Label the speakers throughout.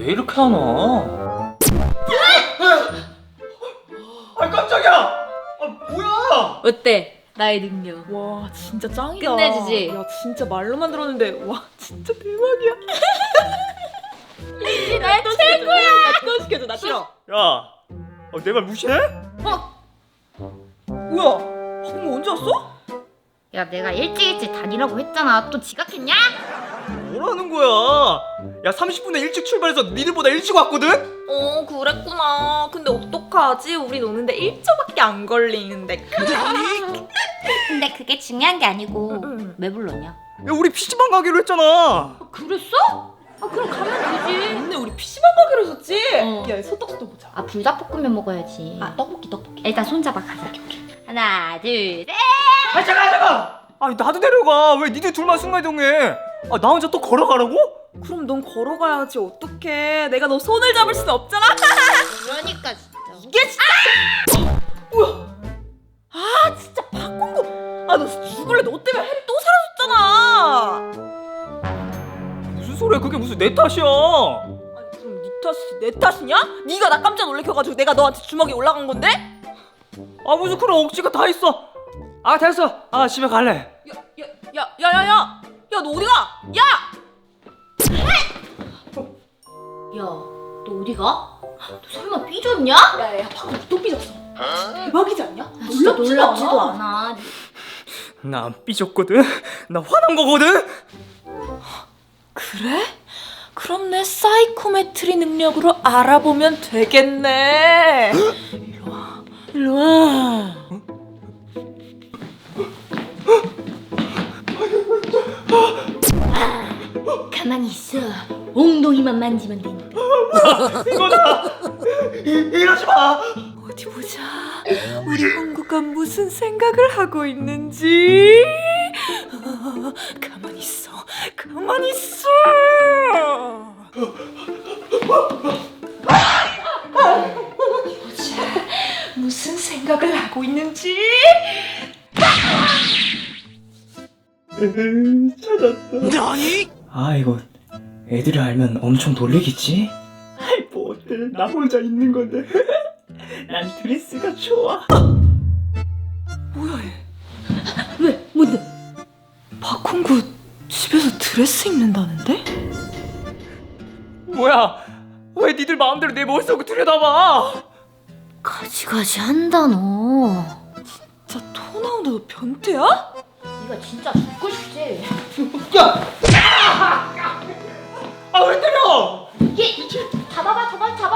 Speaker 1: 왜 이렇게 안 와? 아 깜짝이야! 아 뭐야?
Speaker 2: 어때? 나의 능력.
Speaker 3: 와 진짜 짱이다.
Speaker 2: 끝내주지?
Speaker 3: 야 진짜 말로만 들었는데 와 진짜 대박이야.
Speaker 2: 나 최고야.
Speaker 3: 또 시켜줘. 나 싫어.
Speaker 1: 야, 내 말 무시해?
Speaker 3: 뭐야? 방금 언제 왔어?
Speaker 2: 야, 내가 일찍 다니라고 했잖아. 또 지각했냐?
Speaker 1: 뭐라는 거야? 야 30분에 일찍 출발해서 니들보다 일찍 왔거든?
Speaker 3: 어 그랬구나. 근데 어떡하지? 우린 오는데 1초밖에 안 걸리는데.
Speaker 2: 근데 그게 중요한 게 아니고
Speaker 3: 응.
Speaker 2: 왜 불렀냐?
Speaker 1: 야 우리 PC방 가기로 했잖아.
Speaker 2: 그랬어? 아, 그럼 가면 되지.
Speaker 3: 오늘 우리 PC방 가기로 했었지?
Speaker 2: 어.
Speaker 3: 야 소떡소떡 보자.
Speaker 2: 아, 불닭볶음면 먹어야지.
Speaker 3: 아 떡볶이.
Speaker 2: 일단 손잡아 가자. 하나, 둘, 셋.
Speaker 1: 아 잠깐! 아니 나도 데려가. 왜 니들 둘만 순간이동해? 아 나 혼자 또 걸어가라고?
Speaker 3: 그럼 넌 걸어가야지. 어떡해? 내가 너 손을 잡을 수는 없잖아.
Speaker 2: 그러니까 진짜.
Speaker 3: 이게 진짜. 뭐야? 아 진짜 박공구. 아 너 죽을래. 너 때문에 혜리 또 사라졌잖아.
Speaker 1: 무슨 소리야? 그게 무슨 내 탓이야?
Speaker 3: 아니 그럼 네 탓이 내 탓이냐? 네가 나 깜짝 놀래켜가지고 내가 너한테 주먹이 올라간 건데?
Speaker 1: 아 무슨 그런 억지가 다 있어. 아 됐어. 아 집에 갈래.
Speaker 3: 야야야야야야 너 어디가? 야!
Speaker 2: 야, 너 어디 가? 너 설마 삐졌냐?
Speaker 3: 야야야 방금 또 삐졌어. 대박이지 않냐?
Speaker 2: 진짜 놀랍지도 않아.
Speaker 1: 나 안 삐졌거든. 나 화난 거거든.
Speaker 3: 그래? 그럼 내 사이코메트리 능력으로 알아보면 되겠네. 일로 와.
Speaker 2: 가만히 있어. 엉덩이만 만지면 되니까.
Speaker 1: 이거다. 이러지 마.
Speaker 3: 어디 보자. 우리 홍구가 무슨 생각을 하고 있는지. 가만히 있어. 가만히 있어. 보자. 무슨 생각을 하고 있는지.
Speaker 1: 찾았다. 나니? 아 이거 애들이 알면 엄청 놀리겠지? 아이 뭐 어때? 나 혼자 있는 건데. 난 드레스가 좋아.
Speaker 3: 뭐야 얘.
Speaker 2: 왜? 뭔데?
Speaker 3: 박홍구 집에서 드레스 입는다는데?
Speaker 1: 뭐야? 왜 니들 마음대로 내 머릿속을 들여다봐?
Speaker 2: 가지가지 한다 너.
Speaker 3: 진짜 토 나온다. 너 변태야?
Speaker 2: 네가 진짜 죽고 싶지?
Speaker 1: 야! 아 왜 때려?
Speaker 2: 얘 잡아봐.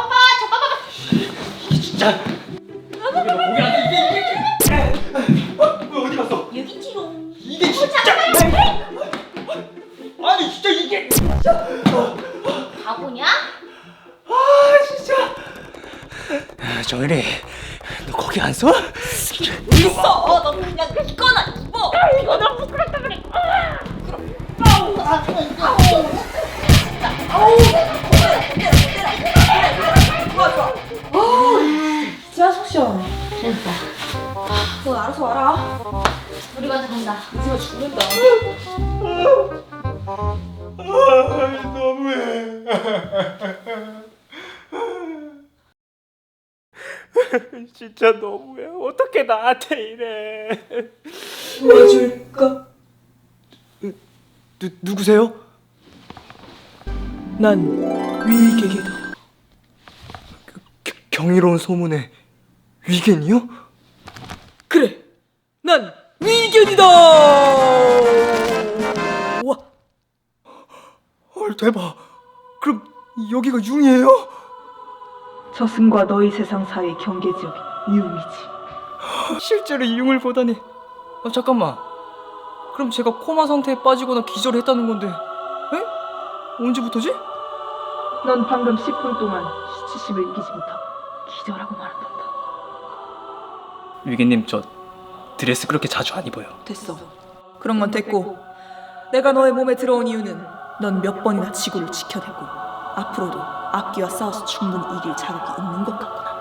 Speaker 1: 진짜. 거기 안 돼. 이게. 왜 어디 갔어?
Speaker 2: 여기 지롱.
Speaker 1: 이게 진짜. 아니 진짜 이게.
Speaker 2: 바보냐?
Speaker 1: 아 진짜. 정일이, 너 거기 안 서?
Speaker 3: 있어. 너 그냥 이거나 입어.
Speaker 2: 이거 너무 부끄럽다 그래.
Speaker 3: 진짜 속 시원해.
Speaker 2: 됐다.
Speaker 3: 너 알아서 와라.
Speaker 2: 우리 먼저 간다.
Speaker 3: 이제가 죽는다.
Speaker 1: 너무해. 진짜 너무해. 어떻게 나한테 이래?
Speaker 3: 도와줄까?
Speaker 1: 누구세요?
Speaker 3: 난 위계계다.
Speaker 1: 경이로운 소문에 위겐이요?
Speaker 3: 그래. 난 위견이다. 와.
Speaker 1: 헐 대박. 그럼 여기가 융이에요?
Speaker 3: 저승과 너희 세상 사이의 경계 지역이 융이지.
Speaker 1: 실제로 이 융을 보다니. 잠깐만. 그럼 제가 코마 상태에 빠지거나 기절했다는 건데. 에? 언제부터지?
Speaker 3: 넌 방금 10분 동안 수치심을 이기지 못하고 기절하고 말았단다.
Speaker 1: 위겐님 저 드레스 그렇게 자주 안 입어요.
Speaker 3: 됐어. 그런 건 됐고, 내가 너의 몸에 들어온 이유는 넌 몇 번이나 지구를 지켜냈고 앞으로도 악기와 싸워서 충분히 이길 자격이 있는 것 같구나.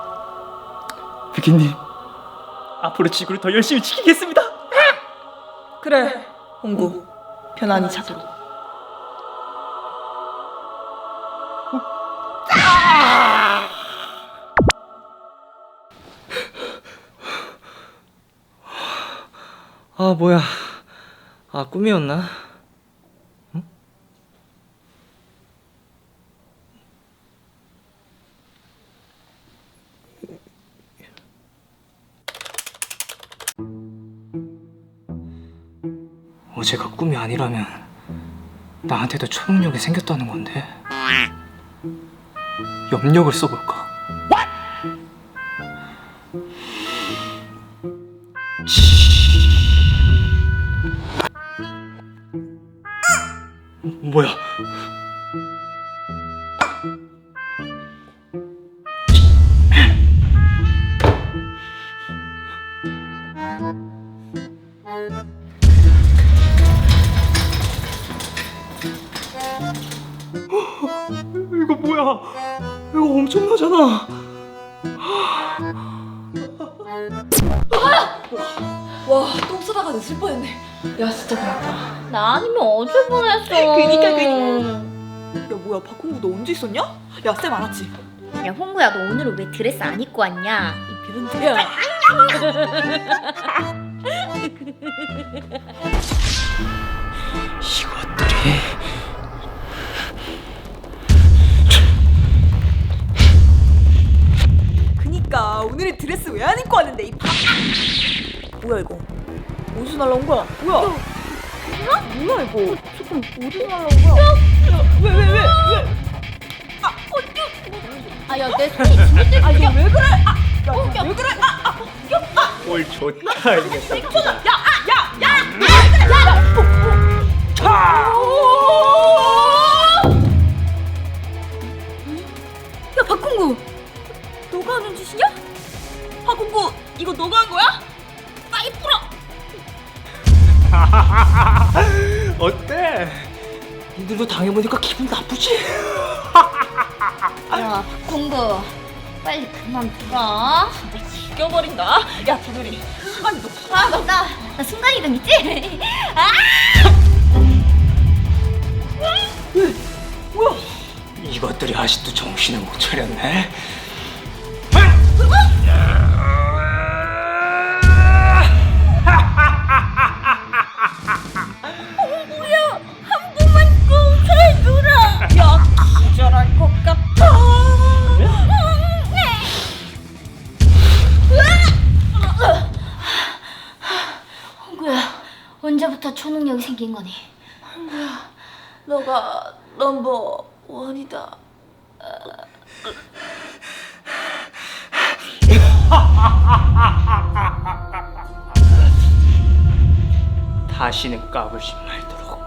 Speaker 1: 위겐님 앞으로 지구를 더 열심히 지키겠습니다.
Speaker 3: 그래, 홍구. 편안히 자도록.
Speaker 1: 아, 뭐야. 아, 꿈이었나? 응? 어제가 꿈이 아니라면 나한테도 초능력이 생겼다는 건데. 염력을 써볼까? 뭐야? 이거 뭐야? 이거 엄청나잖아.
Speaker 3: 와, 똥 싸다가 늦을 뻔했네. 야, 진짜 고맙다.
Speaker 2: 나 아니면 어쩔 뻔했어.
Speaker 3: 그니까. 야, 뭐야, 박홍구 너 언제 있었냐? 야, 쌤 알았지?
Speaker 2: 야 홍구야, 너 오늘은 왜 드레스 안 입고 왔냐? 이 변태.
Speaker 3: 야,
Speaker 1: 이것들이.
Speaker 3: 그니까 오늘의 드레스 왜 안 입고 왔는데 이 밥. 뭐야 이거? 어디서 날라온 거야? 뭐야? 뭐야 이거?
Speaker 2: 조금 어디서 날라온 거야?
Speaker 3: 왜?
Speaker 2: 아, 야, 내 손이 진짜 떼.
Speaker 3: 아, 이거 왜 그래? 야, 왜 그래?
Speaker 1: 꼴 좋다 이게.
Speaker 2: 야, 박홍구, 너가 하는 짓이냐?
Speaker 3: 박홍구 이거 너가 한 거야?
Speaker 2: 빨리 풀어.
Speaker 1: 어때? 니들도 당해보니까 기분 나쁘지?
Speaker 2: 야, 박홍구, 빨리 그만 풀어.
Speaker 3: 죽여버린다. 야, 두들이. 시간이 너.
Speaker 2: 아, 맞다. 나 순간이동 있지? 아!
Speaker 3: 뭐야?
Speaker 1: 이것들이 아직도 정신을 못 차렸네.
Speaker 2: 한 번만 꼭 해주라.
Speaker 3: 야, 기절할 것 같아.
Speaker 2: 홍구야, 언제부터 초능력이 생긴 거니?
Speaker 3: 너가 넘버 원이다.
Speaker 1: 다시는 까불지 말도록.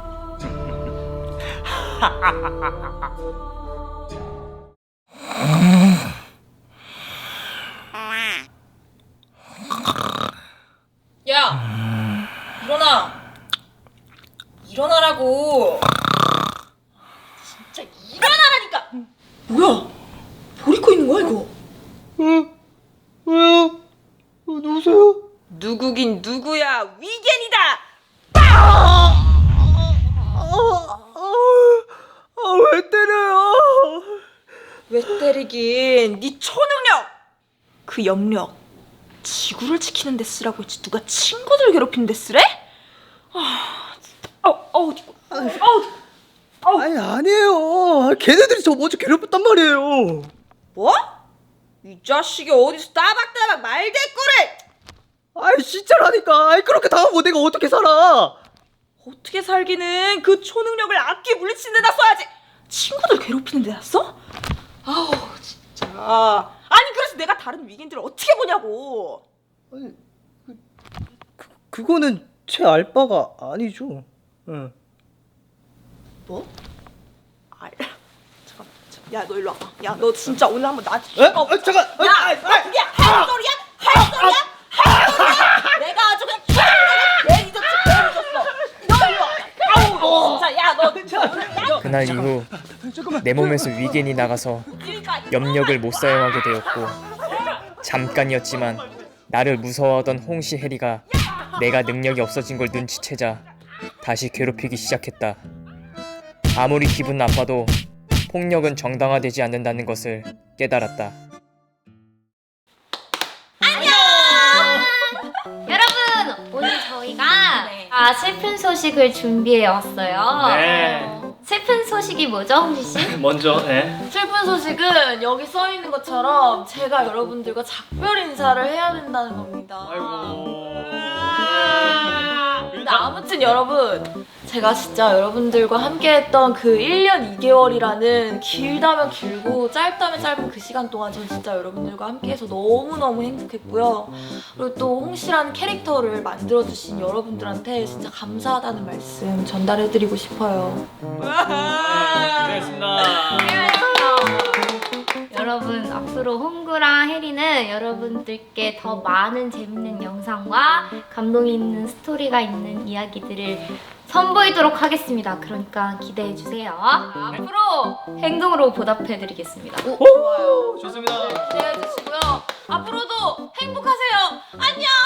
Speaker 3: 야, 일어나. 일어나라고. 진짜 일어나라니까. 뭐야? 뭘 입고 있는 거야 이거?
Speaker 1: 왜요? 누구세요?
Speaker 3: 누구긴 누구야? 위겐이다.
Speaker 1: 왜 때려요?
Speaker 3: 왜 때리긴? 네 초능력. 그 염력 지구를 지키는 데 쓰라고 했지 누가 친구들 괴롭히는 데 쓰래?
Speaker 1: 아니 아니에요. 걔네들이 저 먼저 괴롭혔단 말이에요.
Speaker 3: 뭐? 이 자식이 어디서 따박따박 말대꾸를?
Speaker 1: 아이 진짜라니까. 아이 그렇게 당하고 내가 어떻게 살아?
Speaker 3: 어떻게 살기는 그 초능력을 악기 물리치는 데다 써야지. 친구들 괴롭히는 데다 써? 아우 진짜. 아니 그래서 내가 다른 위기인들을 어떻게 보냐고.
Speaker 1: 아니 그거는 제 알바가 아니죠. 응.
Speaker 3: 뭐? 잠깐만. 야 너 일로 와봐. 야 너 진짜 오늘 한번 나한테
Speaker 1: 잠깐.
Speaker 3: 야 그게 할 소리야? 할 소리야? 할 소리야? 내가 아주 그냥 괜히 졌어. 너 일로 와. 아우 진짜 야 너
Speaker 4: 그날 이후 내 몸에서 위겐이 나가서 염력을 못 사용하게 되었고, 잠깐이었지만 나를 무서워하던 홍시 해리가 내가 능력이 없어진 걸 눈치채자 다시 괴롭히기 시작했다. 아무리 기분 나빠도 폭력은 정당화되지 않는다는 것을 깨달았다.
Speaker 2: 여러분, 오늘 저희가 저희가 슬픈 소식을 준비해 왔어요.
Speaker 1: 네.
Speaker 2: 슬픈 소식이 뭐죠, 홍시 씨?
Speaker 1: 먼저
Speaker 3: 슬픈 소식은 여기 써 있는 것처럼 제가 여러분들과 작별 인사를 해야 된다는 겁니다. 근데 아무튼 여러분, 제가 진짜 여러분들과 함께했던 그 1년 2개월이라는 길다면 길고 짧다면 짧은 그 시간 동안 전 진짜 여러분들과 함께해서 너무너무 행복했고요. 그리고 또 홍시라는 캐릭터를 만들어주신 여러분들한테 진짜 감사하다는 말씀 전달해드리고 싶어요.
Speaker 1: 고생했습니다.
Speaker 2: 여러분, 앞으로 홍구랑 혜리는 여러분들께 더 많은 재밌는 영상과 감동이 있는 스토리가 있는 이야기들을 선보이도록 하겠습니다. 그러니까 기대해주세요. 앞으로 행동으로 보답해드리겠습니다.
Speaker 3: 좋아요.
Speaker 1: 좋습니다.
Speaker 3: 기대해주시고요. 앞으로도 행복하세요. 안녕!